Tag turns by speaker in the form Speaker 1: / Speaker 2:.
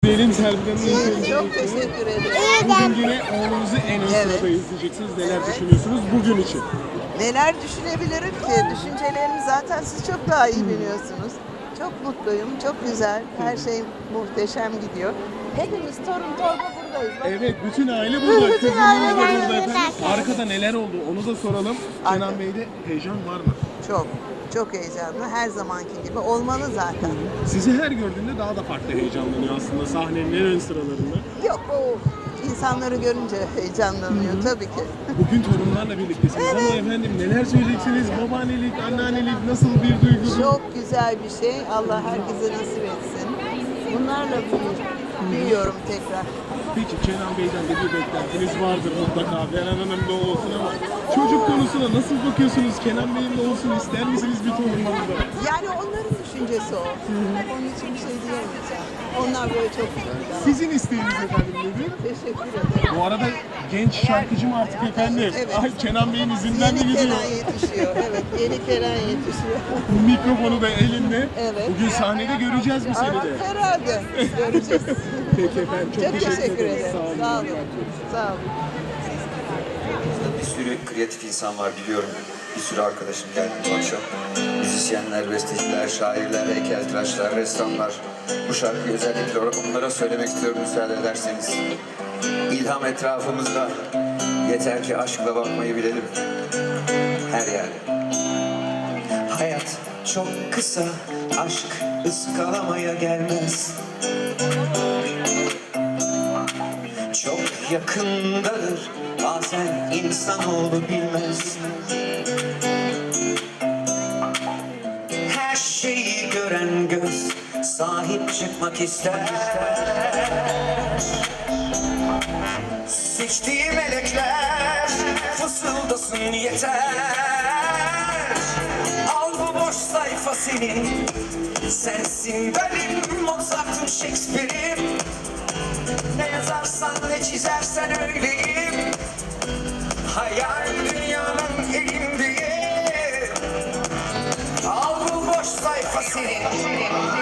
Speaker 1: Diyelim Serpil Hanım'ın
Speaker 2: Çok teşekkür ederim.
Speaker 1: bugün yine oğlunuzu en ön sırada izleyeceksiniz. Neler düşünüyorsunuz bugün için?
Speaker 2: Neler düşünebilirim ki? Düşüncelerimi zaten siz çok daha iyi biliyorsunuz. Çok mutluyum, çok güzel. Her şey muhteşem gidiyor. Hepimiz torun torba buradayız. Bak,
Speaker 1: Evet, bütün aile burada.
Speaker 2: Bütün
Speaker 1: Kızınız
Speaker 2: aile
Speaker 1: da
Speaker 2: burada.
Speaker 1: burada efendim. Arkada neler oldu onu da soralım. Kenan Bey'de heyecan var mı?
Speaker 2: çok, çok heyecanlı. Her zamanki gibi olmalı zaten.
Speaker 1: Sizi her gördüğünde daha da farklı heyecanlanıyor aslında sahnenin en ön sıralarında.
Speaker 2: Yok, o insanları görünce heyecanlanıyor tabii ki.
Speaker 1: Bugün torunlarla birliktesiniz ama efendim neler söyleyeceksiniz? Babaannelik, anneannelik nasıl bir duygu?
Speaker 2: Çok güzel bir şey. Allah herkese nasip etsin. Bunlarla büyüyorum tekrar.
Speaker 1: Peki Kenan Bey'den de bir beklentiniz vardır mutlaka. Beren Hanım'da olsun ama çocuk konusuna nasıl bakıyorsunuz? Kenan Bey'in de olsun ister misiniz bir torununuzda?
Speaker 2: Yani onların düşüncesi o. Onun için bir şey diyemeyeceğim. Onlar böyle çok güzel.
Speaker 1: Sizin isteğiniz efendim nedir?
Speaker 2: Teşekkür ederim.
Speaker 1: Bu arada genç şarkıcı mı artık efendim?
Speaker 2: Evet.
Speaker 1: Ay Kenan Bey'in izinden de
Speaker 2: Yeni
Speaker 1: gidiyor.
Speaker 2: Kenan yetişiyor. Evet, yeni Kenan yetişiyor.
Speaker 1: Mikrofonu da elinde.
Speaker 2: Evet.
Speaker 1: Bugün sahnede göreceğiz mi seni de?
Speaker 2: Herhalde. Göreceğiz.
Speaker 1: Peki efendim çok,
Speaker 2: Çok teşekkür ederim.
Speaker 1: Sağ olun.
Speaker 2: Sağ olun. Sağ olun.
Speaker 3: Bir sürü kreatif insan var biliyorum. Bir sürü arkadaşım geldi bu akşam. Müzisyenler, besteciler, şairler, heykeltıraşlar, ressamlar. Bu şarkıyı özellikle olarak onlara söylemek istiyorum müsaade ederseniz. İlham etrafımızda. Yeter ki aşkla bakmayı bilelim. Her yerde. Hayat çok kısa, aşk ıskalamaya gelmez. Çok yakındadır, bazen insanoğlu bilmez. Her şeyi gören göz sahip çıkmak ister. Seçtiği melekler fısıldasın yeter. Al bu boş sayfa senin, sensin benim Mozart'ım, Shakespeare'im. Ne yazarsan ne çizersen öyleyim. Hayal dünyanın elindeyim. Al bu boş sayfa senin.